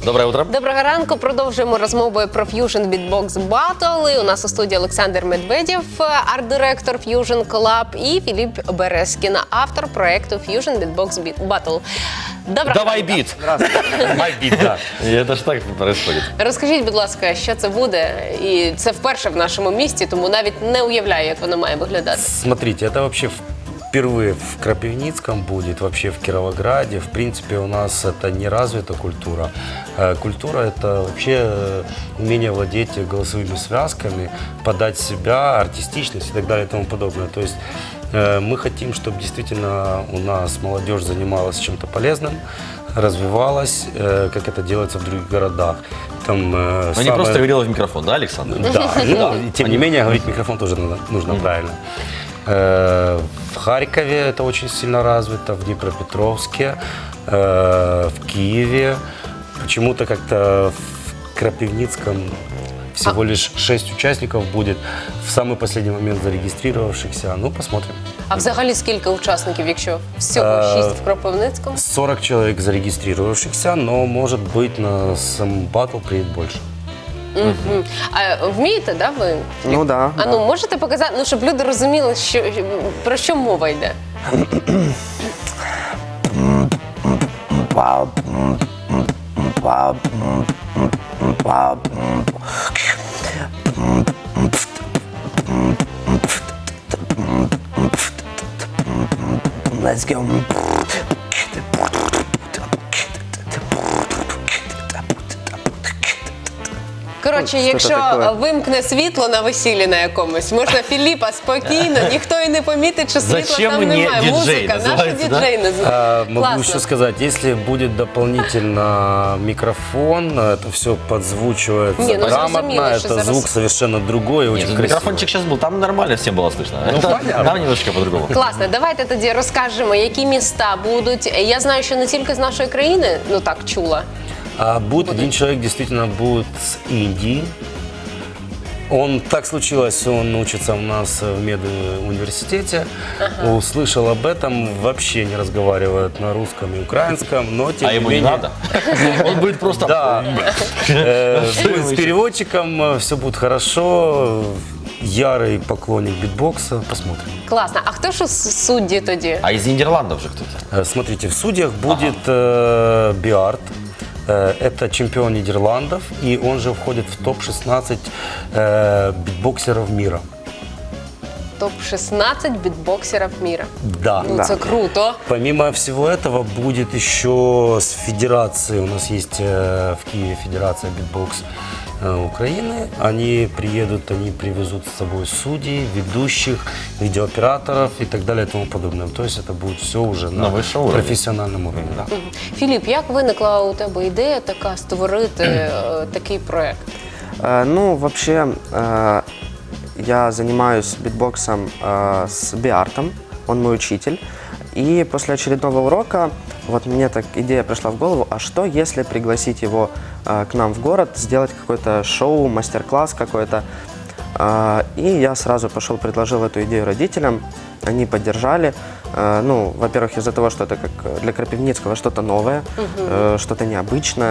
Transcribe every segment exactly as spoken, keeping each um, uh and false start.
Доброе утро. Доброго ранку. Продовжуємо розмовою про Fusion Beatbox Battle. І у нас у студії Олександр Медведєв, арт-директор Fusion Club, і Філіп Березкін, автор проекту Fusion Beatbox Battle. Доброго Давай ранку. бит. Давай бит, да. И это ж так происходит. Розкажіть, будь ласка, що це буде? І це вперше в нашому місті, тому навіть не уявляю, як воно має виглядати. Смотрите, это вообще впервые в Крапивницком будет, вообще в Кировограде. В принципе, у нас это не развита культура. Э, Культура – это вообще э, умение владеть голосовыми связками, подать себя, артистичность и так далее и тому подобное. То есть э, мы хотим, чтобы действительно у нас молодежь занималась чем-то полезным, развивалась, э, как это делается в других городах. Там, э, Но самое... не просто говорила в микрофон, да, Александр? Да, ну, тем не менее, говорить в микрофон тоже надо, нужно правильно. Э, В Харькове это очень сильно развито, в Днепропетровске, э, в Киеве. Почему-то как-то в Крапивницком всего лишь шесть участников будет, в самый последний момент зарегистрировавшихся. Ну, посмотрим. А взагалі скільки учасників, якщо всього шість в Кропивницькому? сорок человек зарегистрировавшихся, но, может быть, на сам батл приедет больше. Мгм. А вмієте, да, ви? Ну да. А ну можете показати, ну щоб люди розуміли, що про що мова йде? Let's go. Коротше, Що якщо це таке? вимкне світло на весіллі на якомусь, можна Філіпа спокійно, ніхто і не помітить, що світла Зачем там мені немає. діджей Музика, наша називається, да? діджей А, називається. Могу Класно. еще сказать, если будет дополнительно микрофон, это все подзвучивается Не, ну, грамотно, зрозуміло, що это зараз- звук совершенно другой, Нет, очень тут красивый. микрофончик сейчас был, там нормально всем было слышно. Ну, Это- понятно. Там немножечко по-другому. Класно, давайте тоді розкажемо, які міста будуть. Я знаю, що не тільки з нашої країни, ну так, чула. А будет один человек, действительно, будет с Индии. Он, так случилось, он учится у нас в медуниверситете, услышал об этом, вообще не разговаривает на русском и украинском, но тем А не ему не менее... надо? Он будет просто... Да, Э, с переводчиком все будет хорошо, ярый поклонник битбокса, посмотрим. Класно. А хто ж у судді тоді? А из Нидерландов же кто-то? Э, Смотрите, в судьях будет э, Биарт. Э, Это чемпион Нидерландов, и он же входит в топ шестнадцать э, битбоксеров мира. топ шістнадцять бітбоксерів міра. Да. Ну, це круто. Помимо всего этого будет еще с федерацией, у нас есть э, в Киеве федерация битбокс э, Украины. Они приедут, они привезут с собой судей, ведущих, видеооператоров и так далее и тому подобное. То есть это будет все уже на, На высшем уровне. профессиональном уровне. Да. Філіп, як виникла у тебе ідея така створити е, такий проект? Э, Ну, вообще, э, я занимаюсь битбоксом э, с Биартом, он мой учитель. И после очередного урока вот мне так идея пришла в голову, а что если пригласить его э, к нам в город, сделать какое-то шоу, мастер-класс какой-то. Э, И я сразу пошел, предложил эту идею родителям, они поддержали. Э, Ну, во-первых, из-за того, что это как для Крапивницкого что-то новое, э, что-то необычное.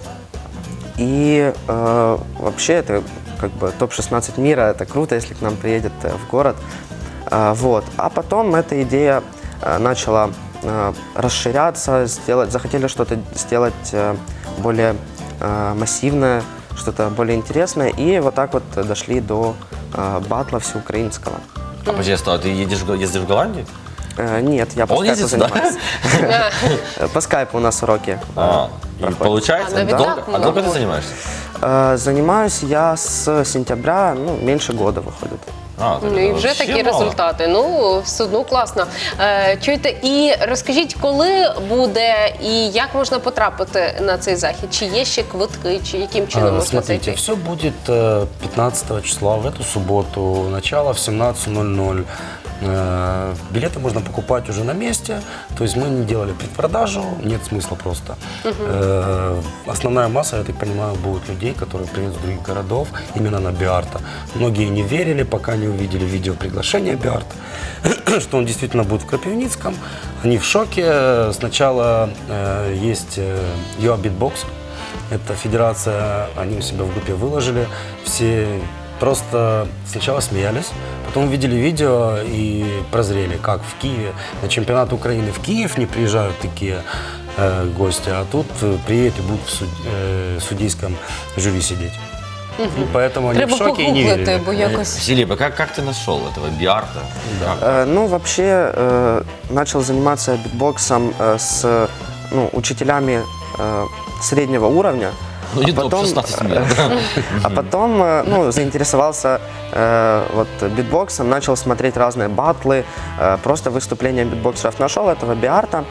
И э, вообще это как бы топ шестнадцать мира, это круто, если к нам приедет э, в город. Э, вот. А потом эта идея э, начала э, расширяться, сделать, захотели что-то сделать э, более э, массивное, что-то более интересное. И вот так вот дошли до э, батла всеукраинского. А подожди, а ты едешь, в Го- ездишь в Голландию? Э, нет, я по Он скайпу ездит сюда? занимаюсь. Э, По скайпу у нас уроки. А, и проходят. получается? А, навіть Долго? так А долго много? ты занимаешься? Э, Занимаюсь я с сентября, ну, меньше года выходит. А, так Ну і это вже вообще такі мало. результати. Ну, все одно класно. Е, чуєте, і розкажіть, коли буде і як можна потрапити на цей захід? Чи є ще квитки, чи яким чином А, можна Смотрите, зайти? все будет э, пятнадцатого числа, в эту субботу, начало в семнадцать ноль ноль. Э, Билеты можно покупать уже на месте, то есть мы не делали предпродажу, нет смысла просто. Э, Основная масса, я так понимаю, будет людей, которые приедут с других городов именно на Биарта. Многие не верили, пока не увидели видео приглашения Биарта, что он действительно будет в Крапивницком. Они в шоке. Сначала э, есть э, You Are Beatbox. Это федерация, они у себя в группе выложили. Все просто сначала смеялись, потом увидели видео и прозрели, как в Киеве, на чемпионат Украины в Киев не приезжают такие э, гости, а тут э, приедут и будут в суд- э, судейском жюри сидеть. И поэтому они Треба в шоке и не погуглити, верили. бо якось. Филипп, а как, как ты нашел этого биарта? Как? Э, ну, вообще, э, начал заниматься битбоксом э, с ну, учителями э, среднего уровня. Ну, не топ шестнадцать мира. А потом э, ну, заинтересовался э, вот, битбоксом, начал смотреть разные батлы, э, просто выступления битбоксеров. Нашел этого биарта,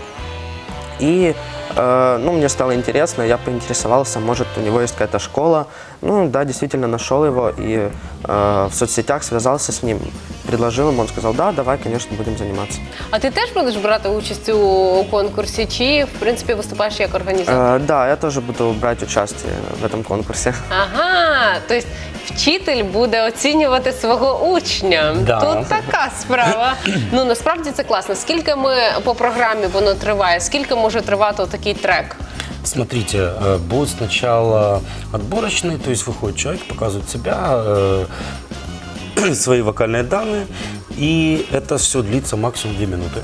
и э, ну, мне стало интересно, я поинтересовался, может, у него есть какая-то школа. Ну да, действительно нашел его и э, в соцсетях связался с ним, предложил ему, он сказал, да, давай, конечно, будем заниматься. А ти теж будеш брати участь у конкурсі, чи в принципі виступаєш як організатор? Э, да, я тоже буду брать участие в этом конкурсе. Ага, тобто вчитель буде оцінювати свого учня. Да. Тут така справа. Ну насправді це класно. Скільки ми по програмі воно триває? Скільки може тривати такий трек? Смотрите, э, будет сначала отборочный, то есть выходит человек, показывает себя, э, свои вокальные данные, и это все длится максимум две минуты.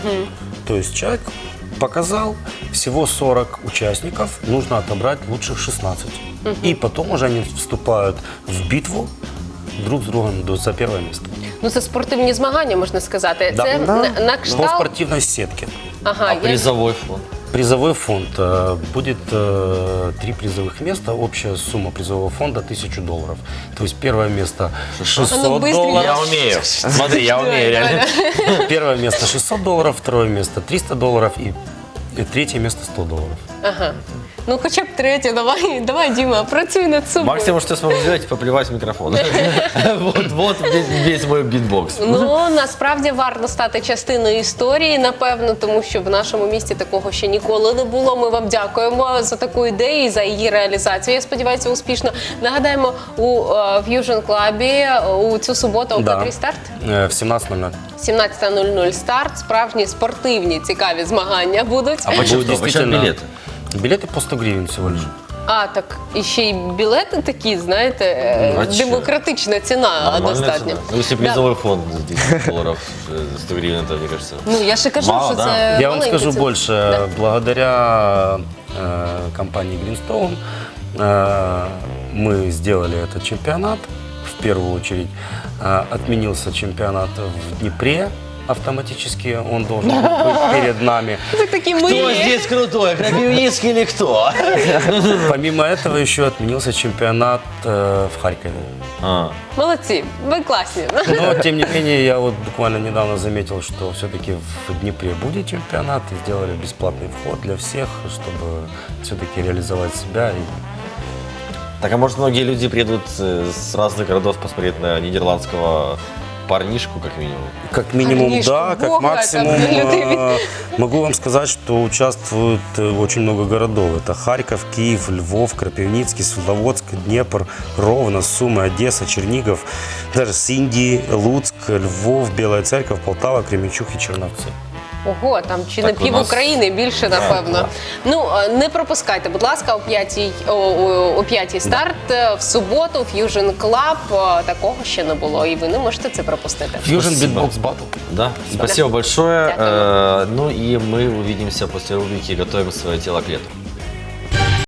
То есть человек показал, всего сорок участников, нужно отобрать лучших шестнадцать. И потом уже они вступают в битву друг с другом до- за первое место. Ну це спортивні змагання, можна сказати. Да. Це Да. на, на По кшталт. спортивной сетке. Ага, А я- призовой фонд? Призовой фонд э, будет э, три призовых места, общая сумма призового фонда тысячу долларов. То есть первое место А ну, шестьсот быстренько. долларов. Я умею. Смотри, я умею реально. Первое место шестьсот долларов, второе место триста долларов и, и третье место сто долларов. Ага. Ну хоча б третє, давай, давай, Діма, працюй над собою. Максимум, что я смогу сделать, поплевать в микрофон. Вот, вот весь- весь мой битбокс. Ну насправді варто стати частиною історії, напевно, тому що в нашому місті такого ще ніколи не було. Ми вам дякуємо за таку ідею і за її реалізацію. Я сподіваюся, успішно. Нагадаємо, у е, Fusion Club е, у цю суботу о Да. котрій старт? Э, в семнадцать ноль ноль. сімнадцята нуль нуль старт. Справжні спортивні цікаві змагання будуть. А почему, Будет почему билеты? Билеты по сто гривен всего лишь. А, так і ще й білети такі, знаєте, е, Ну, а чё? демократична ціна Нормальная достатньо. цена. Ну, если Да. призовой фонд десять долларов, э, сто гривен, это, мне кажется... Ну я ще кажу, Мало, що да? це Я вам маленька скажу ціна. больше. Да. Благодаря э, компании Greenstone э, мы сделали этот чемпионат. В первую очередь э, отменился чемпионат в Днепре автоматически. Он должен быть перед нами. Ви такі Кто милі. здесь крутой, Крапивницкий или кто? Помимо этого еще отменился чемпионат э, в Харькове. А, Молодці, ви класні. Но, тем не менее, я вот буквально недавно заметил, что все-таки в Днепре будет чемпионат, и сделали бесплатный вход для всех, чтобы все-таки реализовать себя. И Так, а может, многие люди приедут э, с разных городов посмотреть на нидерландского парнишку, как минимум? как минимум, Парнишку, да, как бога, максимум, там люди. э, могу вам сказать, что участвует э, очень много городов. Это Харьков, Киев, Львов, Крапивницкий, Светловодск, Днепр, Ровно, Сумы, Одесса, Чернигов, даже с Индии, Луцк, Львов, Белая Церковь, Полтава, Кременчуг и Черновцы. Ого, там чи не Так у пів нас- України більше, напевно. Ну е, не пропускайте, будь ласка, о п'ятій о, о, о п'ятій старт е, в суботу. Fusion Club. Е, Такого ще не було, і ви не можете це пропустити. Fusion Спасибо. Beatbox Battle. Да, спасибо большое. Дякую. Э, Ну и мы увидимся после рубрики «Готовим свое тело к лету».